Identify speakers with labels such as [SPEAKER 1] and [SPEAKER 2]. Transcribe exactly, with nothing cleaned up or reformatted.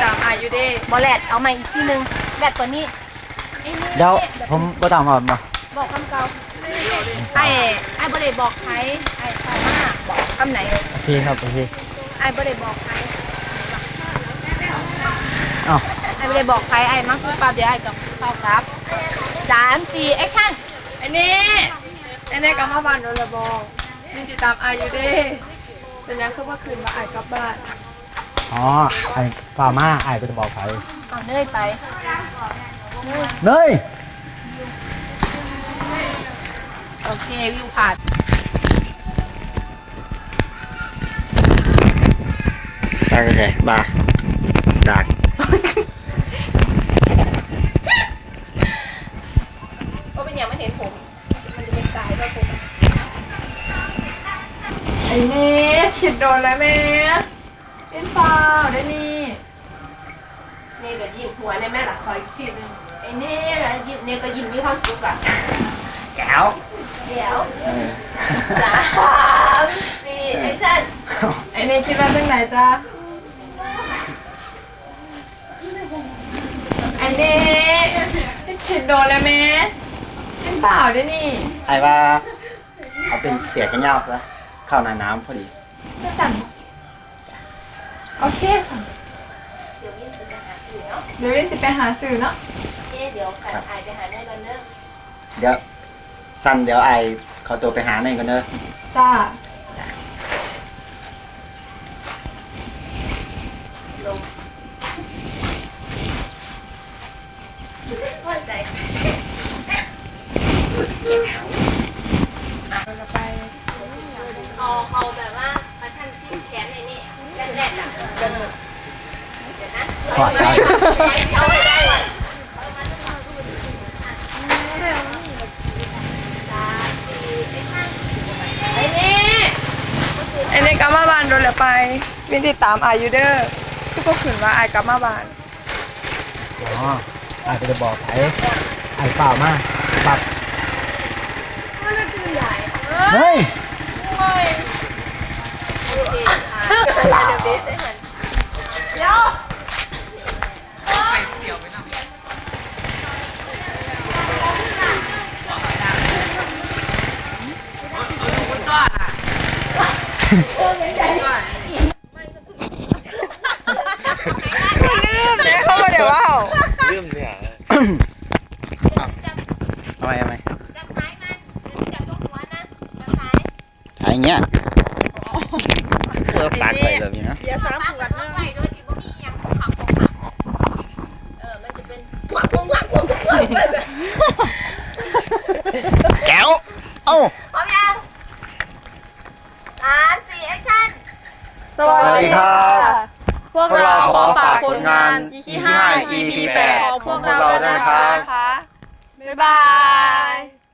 [SPEAKER 1] ตามอายุเด้บอแลดเอาใหม่อีกทีนึงแลดตัวนี้
[SPEAKER 2] เดี๋ยวผมบ่ต้องเอามา
[SPEAKER 1] บอกคำเก่าไอ้ไอ้บอได้บอกใครไอ้ต่อมาบอกคำไหน
[SPEAKER 2] พี่ครับพี่
[SPEAKER 1] ไอ้บอได้บอกใคร
[SPEAKER 2] อ้าว
[SPEAKER 1] ไอ้บอได้บอกใครไอ้มักคือปาเดี๋ยวไอ้กับเข้าครับสามสี่แอคชั่นไอ้นี่ไอ้นี่กับมาบ้านโดนระบองมีติดตามอายุเด้เป็นยังคือว่าคืนมาไอ้กลับบ้าน
[SPEAKER 2] อ๋อไอ้ป่ามาไอ้ก็จะบอกใคร
[SPEAKER 1] เอาเนยไป
[SPEAKER 2] เนย
[SPEAKER 1] โอเควิวผ่าน
[SPEAKER 2] ตาก็ใช่บ้าดัก
[SPEAKER 1] ก็เป็นอย่างไม่เห็นผมมันจะเป็นสายด้วยผมไอ้เน่ฉีดโดนแล้วแม่เป็นเปล่าได้นี่เน่ก็ยิ้มหัวในแม่หลักคอยทีนึงไอ้เน่ยิ้มเน่ก็ยิ้มมีความสุขอะ
[SPEAKER 2] แก้ว
[SPEAKER 1] เดี๋ยวสามสี่ไอ้ท่านไอ้เน่คิดว่าเรื่องไหนจ๊ะไอ้เน่ฉีดโดนแล้วแม่เป็นเปล่าได้นี่
[SPEAKER 2] ไอ้ว่าเอาเป็นเสียแค่เงาซะเข้าในน้ำพอดี
[SPEAKER 1] จะสั่งโอเคค่ะเดี๋ยววินจะไปหาสื่อเนาะเดี๋ยววินจะไปหาสื่อเนาะโอเคเดี๋ยวใส่ไอไปหาเนยกันเนอะ
[SPEAKER 2] เดี๋ยวสั้นเดี๋ยวไอเขาตัวไปหาเนยกันเนอะ
[SPEAKER 1] จ้าลงพอใจเราไปเอาเอาแบบว่ามาชั่นชิ้นแขนในนี่แรกๆอ่ะเดี๋ยวนะเอาไว้เอาไว้ได้ก่อนไอ้นี่ไอ้นี่กลับมาบ้านโดนแล้วไปมีติดตามอายุเดอร์ที่พวกขืนว่าไอ้กลับมาบ้าน
[SPEAKER 2] อ๋อไอ้ก็จะบอกไอ้ไอ้เปล่ามาปับเฮ้ย
[SPEAKER 1] เดี๋ยวลืมเนี่ยเขามาเดี๋ยวว่า
[SPEAKER 2] ลืมเนี่ยทำไมทำไม
[SPEAKER 1] จับท้ายมันจับตรงหัวนะจับท้าย
[SPEAKER 2] ท้ายเงี้ยเออปากไปแบบนี้นะ
[SPEAKER 1] อย่าซ้ำหัวนะไว้โดยที่บ่มีอย่างของขังของขังเออมันจะเป็นหวังหวังหวังหวัง
[SPEAKER 2] แก้วเอ้า
[SPEAKER 1] พร้อมยังสามสี่แอคชั่น
[SPEAKER 2] สวัสดีครับ
[SPEAKER 1] พวกเราขอฝากผลงาน อี พี ห้า อี พี แปดของพวกเราด้วยนะคะบ๊ายบาย